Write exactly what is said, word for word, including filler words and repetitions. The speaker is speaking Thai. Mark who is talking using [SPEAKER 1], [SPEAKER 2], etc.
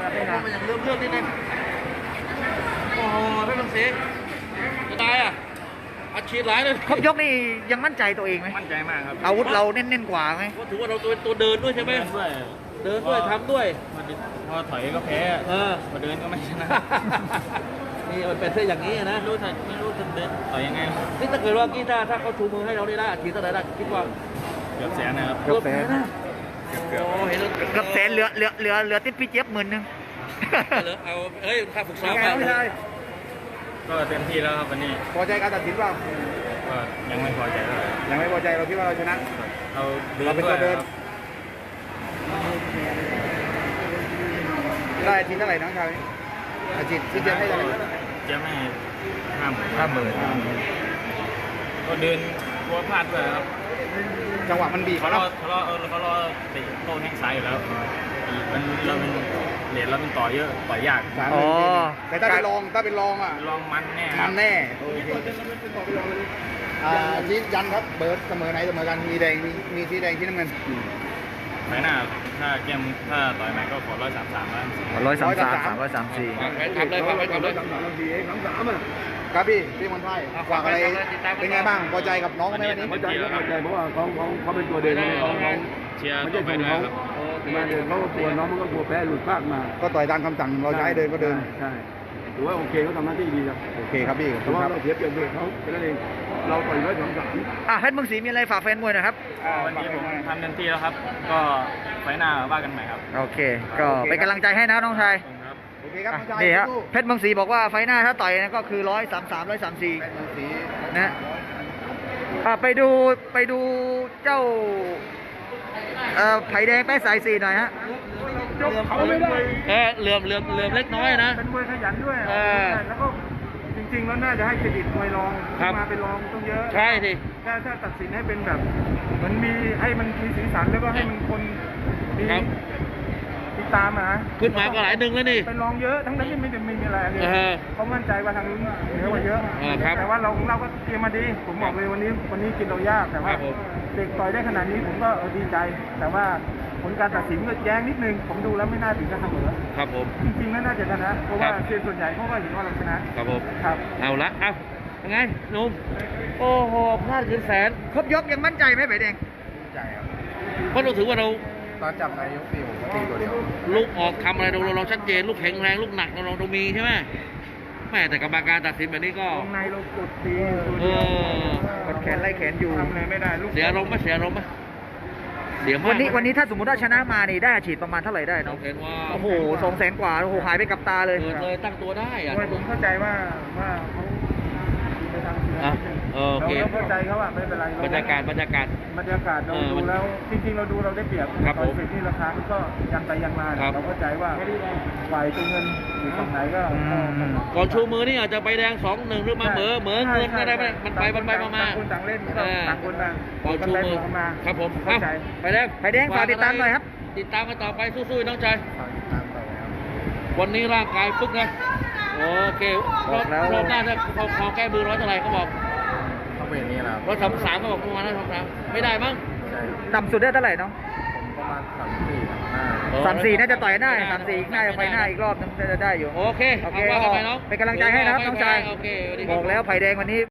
[SPEAKER 1] ครับไม่
[SPEAKER 2] ผ
[SPEAKER 1] นาม
[SPEAKER 2] มันยังเรื่องเรื่องนิดนึงโอ้โหไม่ต้องเสียจะตายอ่ะอัดฉีดหลายเลย
[SPEAKER 1] ครบยกนี่ยังมั่นใจตัวเองไหม
[SPEAKER 3] มั่นใจมากครับ
[SPEAKER 1] อาวุธเราเน้นๆกว่าไหม
[SPEAKER 2] ว่าถือว่าเราตัวตัวเดินด้วยใช่ไหม
[SPEAKER 3] เดินด้วย
[SPEAKER 2] เดินด้วยทำด้วย
[SPEAKER 3] พอดิพอถอยก็แพ้
[SPEAKER 2] เออ
[SPEAKER 3] พอเดินก็ไม่ชนะ
[SPEAKER 2] นี่มันเป็นเส้นอย่างนี้นะ
[SPEAKER 3] ไม่รู้จะไม่รู้จะเดินต่อยยังไง
[SPEAKER 2] นี่ถ้าเกิดว่ากี้ถ้าถ้าเขาชูมือให้เราได้ได้อัดฉีดเท่าไหร่ได้คิดว่า
[SPEAKER 3] เกือบแสนนะครับ
[SPEAKER 1] เกือบแสน
[SPEAKER 2] นะ
[SPEAKER 3] เกือบ
[SPEAKER 2] โอ้เห็นแล้ว
[SPEAKER 1] เกือบแสนเหลือเหลือเหลือเหลือติดพี่เจี๊ยบหมื่นหนึง
[SPEAKER 2] เหลือเอาเฮ้ยค่าฝึกซ้อม
[SPEAKER 1] เป็นไงน้องชาย
[SPEAKER 3] ก็เต็มที่แล้วครับวันนี้
[SPEAKER 1] พอใจการตัดสินเปล่า
[SPEAKER 3] ก็ยังไม่พอใจเท่าไหร่
[SPEAKER 1] ยังไม่พอใจเราคิดว่าเราชนะ
[SPEAKER 3] เราเดิน
[SPEAKER 1] เราเป็น
[SPEAKER 3] ด้
[SPEAKER 1] ตัว วย เดิน
[SPEAKER 3] ครับ
[SPEAKER 1] ได้อาทิตย์เท่าไหร่น้องชายอาทิตย์พี่เจี๊ยบให้เท่าไหร่
[SPEAKER 3] เจะไม่ห้าม
[SPEAKER 1] ห้าหมื่น
[SPEAKER 3] ก็เดินกลัวพลาดด้วยครับ
[SPEAKER 1] จังหวะมันบีบ
[SPEAKER 3] เขา
[SPEAKER 1] เขา
[SPEAKER 3] ร
[SPEAKER 1] เนาะ
[SPEAKER 3] อเขารอเออเขารอติโต้แข้งซ้ายอยู่แล้วอีกมันเราเป็นเหรียญเราเป็นต่อเยอะต่อยยาก
[SPEAKER 1] สามหมื่นทีหนึ่งแต่ถ้าเป็นรองถ้าเป็นรองอ่ะ
[SPEAKER 3] ลองมันแน่ครั
[SPEAKER 1] มั
[SPEAKER 3] บ
[SPEAKER 1] นแน่โอเคอ่าชี้ยันครับเบิร์ดเสมอไหนเสมอกันมีแดงมีมีสีแดงที่น้ำเงิน
[SPEAKER 3] ไฟหน้าถ้าเกมถ้าต่อยใหม่ก็ขอร้อยสามสามแล้ว
[SPEAKER 1] ร้อยสามสามสามร้อยสามสี่
[SPEAKER 2] วางแผนทำเลยครับไปทำเลย
[SPEAKER 1] ครับพี่พี่มนไทยฝากอะไรเป็นไงบ้างพอใจกับน้องไหมวันนี้
[SPEAKER 3] พอใจครับพอใจ
[SPEAKER 4] เพราะว่าเขาเขาเขาเป็นตัวเดินเขาเขา
[SPEAKER 3] เชียร์
[SPEAKER 4] ไม่
[SPEAKER 3] ต่
[SPEAKER 4] ใช่
[SPEAKER 3] อไป
[SPEAKER 4] ของ
[SPEAKER 3] ด้วย
[SPEAKER 4] เขา
[SPEAKER 3] ครับ
[SPEAKER 4] มาเดินเขาก็กลัวน้องมันก็กลัวแพ้หลุดพลาดมา
[SPEAKER 1] ก็ต่อยตามคำสั่งเราจะให้เดินก็เดิน
[SPEAKER 4] ใช่ถือว่าโอเคเขาทำหน้าที่ดีครับ
[SPEAKER 1] โอเคครับพี่ขอบ
[SPEAKER 4] แต่
[SPEAKER 1] คุณ
[SPEAKER 4] ว่า
[SPEAKER 1] ครับ
[SPEAKER 4] เราเสียเปรียบด้วยเขาแค่นั้นเองเราต่อยร้อยสองสาม
[SPEAKER 1] อ่ะเพชรเมืองศรีมีอะไรฝากแฟนมวยหนะครับ
[SPEAKER 3] วันนี้ผมทำเต็มที่แล้วครับ ก็ไฟหน้าว่ากันใหม่ครับ
[SPEAKER 1] โอเค ก็เป็นกำลังใจให้นะน้องชาย
[SPEAKER 3] ครับ
[SPEAKER 1] โอเคครับน้องชายนี่ฮะเพชรเมืองศรีบอกว่าไฟหน้าถ้าต่อยนะก็คือร้อยสามสามร้อยสามสี่
[SPEAKER 4] เพชรเมืองศรี
[SPEAKER 1] นะอ่ะไปดูไปดูเจ้าเอ่อไผ่แดงแป้สายสี่หน่อยฮะ
[SPEAKER 4] ยกเขาไม่ได้
[SPEAKER 2] เออเหลื่อมเหลื่อมเหลื่อมเล็กน้อยนะ
[SPEAKER 4] เป็นมวยขยันด้วย
[SPEAKER 2] เออ
[SPEAKER 4] แล้วก็จริงๆแล้วน่าจะให้เครดิตมวยรอง
[SPEAKER 2] ครับ
[SPEAKER 4] มาเป็นรองต้องเยอะ
[SPEAKER 2] ใช่สิ
[SPEAKER 4] ถ้าถ้าตัดสินให้เป็นแบบเหมือนมีให้มันมีสีสันแล้วก็ให้มันคนมี
[SPEAKER 2] ครับ
[SPEAKER 4] ติดตามอะนะ
[SPEAKER 2] ขึ้นมาก็หลายหนึ่งแล้วนี่
[SPEAKER 4] เป็นรองเยอะทั้งนั้นที่ไม่ได้ไม่มีอะไรเลย
[SPEAKER 2] เออ
[SPEAKER 4] เขามั่นใจว่าทางนู้นเหนือกว่าเยอะ
[SPEAKER 2] เออครับ
[SPEAKER 4] แต่ว่าเราของเราก็เตรียมมาดี ผมบอกเลยวันนี้วันนี้กินเรายากแต่ว่า
[SPEAKER 2] ครับผม
[SPEAKER 4] เด็กต่อยได้ขนาดนี้ผมก็เออดีใจ แต่ว่าผลการตัดสินก็แย้งนิดนึง ผมดูแล้วไม่น่าถึงกับเสมอ
[SPEAKER 2] ครับผม
[SPEAKER 4] จริงๆแล้วน่าจะชนะ เพราะว่า
[SPEAKER 2] ครับ
[SPEAKER 4] เซียนส่วนใหญ่เขาก็เห็นว่าเราชนะครับ
[SPEAKER 2] ผม
[SPEAKER 4] ครับ
[SPEAKER 2] เอาละเอายังไงหนุ่มโอ้โหพลาดเกินแสน
[SPEAKER 1] ครบยกยังมั่นใจไหมไผ่แดง
[SPEAKER 4] ใจครับ
[SPEAKER 2] เพราะเราถือว่าเรา
[SPEAKER 4] ตอนจับนายกตีผมก็ตีตัวเดียว
[SPEAKER 2] ลูกออกทำอะไรเราเราเราชัดเจนลูกแข็งแรงลูกหนักเราเราเรามีใช่ไหมแม่แต่กรรมการตัดสินแบบนี้ก็
[SPEAKER 4] วงในเรากดตีตัว
[SPEAKER 2] เอ
[SPEAKER 4] เดียว
[SPEAKER 2] อ
[SPEAKER 1] กดแขนไล่แขนอยู่
[SPEAKER 4] ทำอะไรไม่ได้ลูก
[SPEAKER 2] เสียอารมณ์ไหมเสียอารมณ์ไหมเสียมาก
[SPEAKER 1] วันนี้วันนี้ถ้าสมมติว่าชนะมานี่ได้อาชีพประมาณเท่าไหร่ได้
[SPEAKER 2] น้
[SPEAKER 1] น้
[SPEAKER 2] อ
[SPEAKER 1] อง ง
[SPEAKER 2] เห็นว่า
[SPEAKER 1] โอ้โหสองแสนกว่าโอ้โหหายไปกับตาเลย
[SPEAKER 2] เกิดเลยตั้งตัวได้อะ
[SPEAKER 4] มวยผมเข้าใจว่าว่าเขาไปทางเสือ
[SPEAKER 2] อ่ะ
[SPEAKER 4] นิดนึง
[SPEAKER 2] เออโอเค
[SPEAKER 4] เราเข้าใจเขาอะไม่เป็นไร
[SPEAKER 2] บรรยากาศบรรยากาศ
[SPEAKER 4] บรรยากาศเรา
[SPEAKER 2] เออ
[SPEAKER 4] ดูแล้วจริงๆเราดูเราได้เปรียบ
[SPEAKER 2] ครับ
[SPEAKER 4] ตอน
[SPEAKER 2] ผม
[SPEAKER 4] เสร็จที่ราคามันก็ยันไปยันมา
[SPEAKER 2] ครับ
[SPEAKER 4] เราเข้าใจว่าฝ่ายตัวเงินอยู่ตรงไหนก็
[SPEAKER 1] อืม
[SPEAKER 4] ก็
[SPEAKER 2] ก่อนชูมือนี่อาจจะไปแดงสองหนึ่งหรือมาเหมอเหมอเงินอะไรไปมันไปมันไปมามา
[SPEAKER 4] ต่างคนต่างเล่น
[SPEAKER 2] เออ
[SPEAKER 4] ต่างคนต่าง
[SPEAKER 2] ก่อนชูมือ
[SPEAKER 4] ต่างมา
[SPEAKER 2] ครับผม
[SPEAKER 4] เข้าใจ
[SPEAKER 2] ไปแดง
[SPEAKER 1] ไผ่แดงฝากติดตามหน่อยครับ
[SPEAKER 2] ติดตามกันต่อไปสู้ๆน้องชาย
[SPEAKER 4] ฝากติดตามต่อครับ
[SPEAKER 2] วันนี้ร่างกายปึ๊กนะโอเคร
[SPEAKER 1] บอ
[SPEAKER 2] อบ
[SPEAKER 1] กแล้ว
[SPEAKER 2] รอบหน้าถ้าเขาเขาแก้มือร้อยเท่าไหร่เขาบอก
[SPEAKER 4] เขาเป็นอย่างนี้แหละ
[SPEAKER 2] ร้อยสามสามเขาบอกประมาณนั้นสามสามไม่ได้มั้ง
[SPEAKER 4] ใช่
[SPEAKER 1] ต่ำสุดได้เท่าไหร่น้อง
[SPEAKER 4] ผมประมาณสามสี่สามห้า
[SPEAKER 1] สามสี่น่าจะต่อยได้สามสี่น่าจะไปหน้าอีกรอบนึงน่าจะได้อยู่
[SPEAKER 2] โอเค
[SPEAKER 1] โอเค
[SPEAKER 2] เอาว่ากันไปน้อง
[SPEAKER 1] เป็นกำลังใจให้นะครับน้องชาย
[SPEAKER 2] โอเคสวัสดีค
[SPEAKER 1] บ
[SPEAKER 2] รั
[SPEAKER 1] อกแล้วไผ่แดงวันนี้